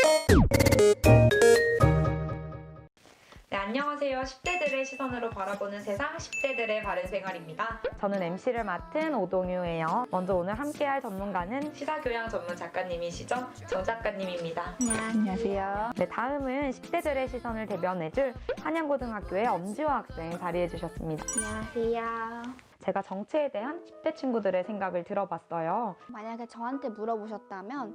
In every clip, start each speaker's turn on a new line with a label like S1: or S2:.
S1: 네, 안녕하세요. 10대들의 시선으로 바라보는 세상 10대들의 바른생활입니다.
S2: 저는 MC를 맡은 오동유예요. 먼저 오늘 함께할 전문가는
S1: 시사교양 전문 작가님이시죠? 정 작가님입니다.
S2: 안녕하세요. 네, 다음은 10대들의 시선을 대변해줄 한양고등학교의 엄지화 학생 자리해주셨습니다.
S3: 안녕하세요.
S2: 제가 정치에 대한 10대 친구들의 생각을 들어봤어요.
S3: 만약에 저한테 물어보셨다면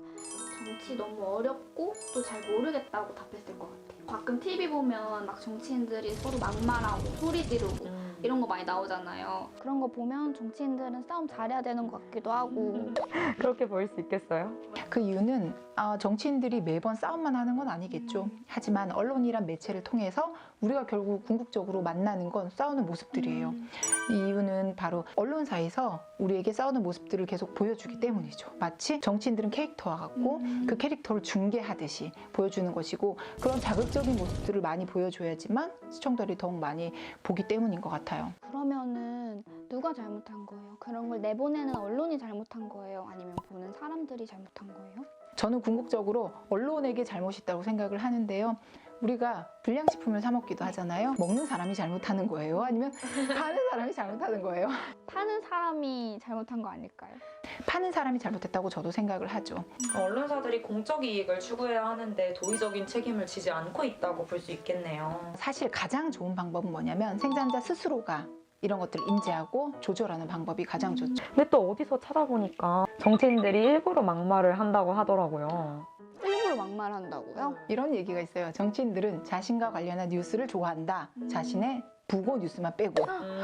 S3: 정치 너무 어렵고 또 잘 모르겠다고 답했을 것 같아요. 가끔 TV 보면 막 정치인들이 서로 막말하고 소리 지르고 이런 거 많이 나오잖아요. 그런 거 보면 정치인들은 싸움 잘해야 되는 것 같기도 하고.
S2: 그렇게 보일 수 있겠어요?
S4: 그 이유는 정치인들이 매번 싸움만 하는 건 아니겠죠. 하지만 언론이란 매체를 통해서 우리가 결국 궁극적으로 만나는 건 싸우는 모습들이에요. 이 이유는 바로 언론사에서 우리에게 싸우는 모습들을 계속 보여주기 때문이죠. 마치 정치인들은 캐릭터와 같고 그 캐릭터를 중계하듯이 보여주는 것이고, 그런 자극적인 모습들을 많이 보여줘야지만 시청자들이 더욱 많이 보기 때문인 것 같아요.
S3: 그러면은 누가 잘못한 거예요? 그런 걸 내보내는 언론이 잘못한 거예요? 아니면 보는 사람들이 잘못한 거예요?
S4: 저는 궁극적으로 언론에게 잘못이 있다고 생각을 하는데요. 우리가 불량식품을 사 먹기도 하잖아요. 먹는 사람이 잘못하는 거예요? 아니면 파는 사람이 잘못하는 거예요?
S3: 파는 사람이 잘못한 거 아닐까요?
S4: 파는 사람이 잘못했다고 저도 생각을 하죠.
S1: 언론사들이 공적 이익을 추구해야 하는데 도의적인 책임을 지지 않고 있다고 볼 수 있겠네요.
S4: 사실 가장 좋은 방법은 뭐냐면 생산자 스스로가 이런 것들을 인지하고 조절하는 방법이 가장 좋죠.
S2: 근데 또 어디서 찾아보니까 정치인들이 일부러 막말을 한다고 하더라고요.
S3: 일부러 막말한다고요?
S4: 이런 얘기가 있어요. 정치인들은 자신과 관련한 뉴스를 좋아한다. 자신의 부고 뉴스만 빼고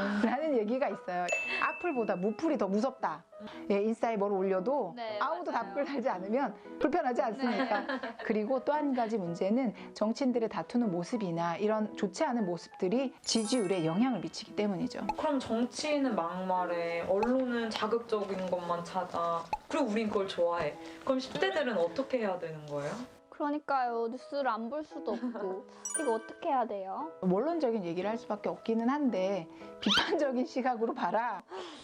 S4: 라는 얘기가 있어요. 악플보다 무플이 더 무섭다. 예, 인스타에 뭘 올려도
S3: 네,
S4: 아무도
S3: 맞아요.
S4: 답글 달지 않으면 불편하지 않습니까? 그리고 또 한 가지 문제는 정치인들의 다투는 모습이나 이런 좋지 않은 모습들이 지지율에 영향을 미치기 때문이죠.
S1: 그럼 정치인은 막말해, 언론은 자극적인 것만 찾아, 그리고 우린 그걸 좋아해. 그럼 10대들은 어떻게 해야 되는 거예요?
S3: 그러니까요. 뉴스를 안 볼 수도 없고. 이거 어떻게 해야 돼요?
S4: 원론적인 얘기를 할 수밖에 없기는 한데 비판적인 시각으로 봐라.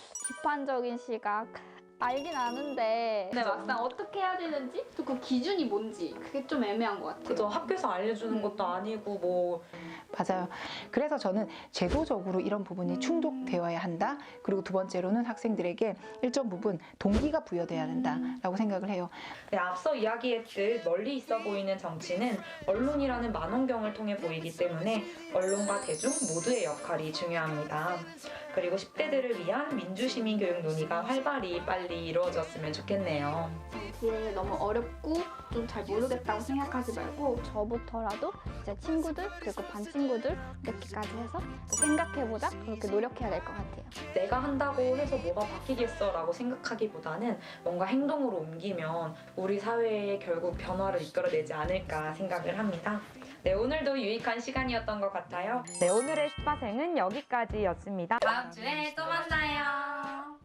S3: 비판적인 시각. 알긴 아는데 근데 막상 어떻게 해야 되는지 또 그 기준이 뭔지 그게 좀 애매한 것 같아요.
S1: 그죠? 학교에서 알려주는 것도 아니고 뭐
S4: 맞아요. 그래서 저는 제도적으로 이런 부분이 충족되어야 한다. 그리고 두 번째로는 학생들에게 일정 부분 동기가 부여돼야 된다라고 생각을 해요.
S1: 네, 앞서 이야기했듯 멀리 있어 보이는 정치는 언론이라는 만원경을 통해 보이기 때문에 언론과 대중 모두의 역할이 중요합니다. 그리고 10대들을 위한 민주시민교육 논의가 활발히 빨리 이루어졌으면 좋겠네요.
S3: 정치를 너무 어렵고 좀 잘 모르겠다고 생각하지 말고 저부터라도 제 친구들 그리고 반 친구들 이렇게까지 해서 생각해보자 그렇게 노력해야 될 것 같아요.
S1: 내가 한다고 해서 뭐가 바뀌겠어 라고 생각하기보다는 뭔가 행동으로 옮기면 우리 사회에 결국 변화를 이끌어내지 않을까 생각을 합니다. 네, 오늘도 유익한 시간이었던 것 같아요.
S2: 네, 오늘의 스파생은 여기까지였습니다.
S1: 다음 주에 또 만나요.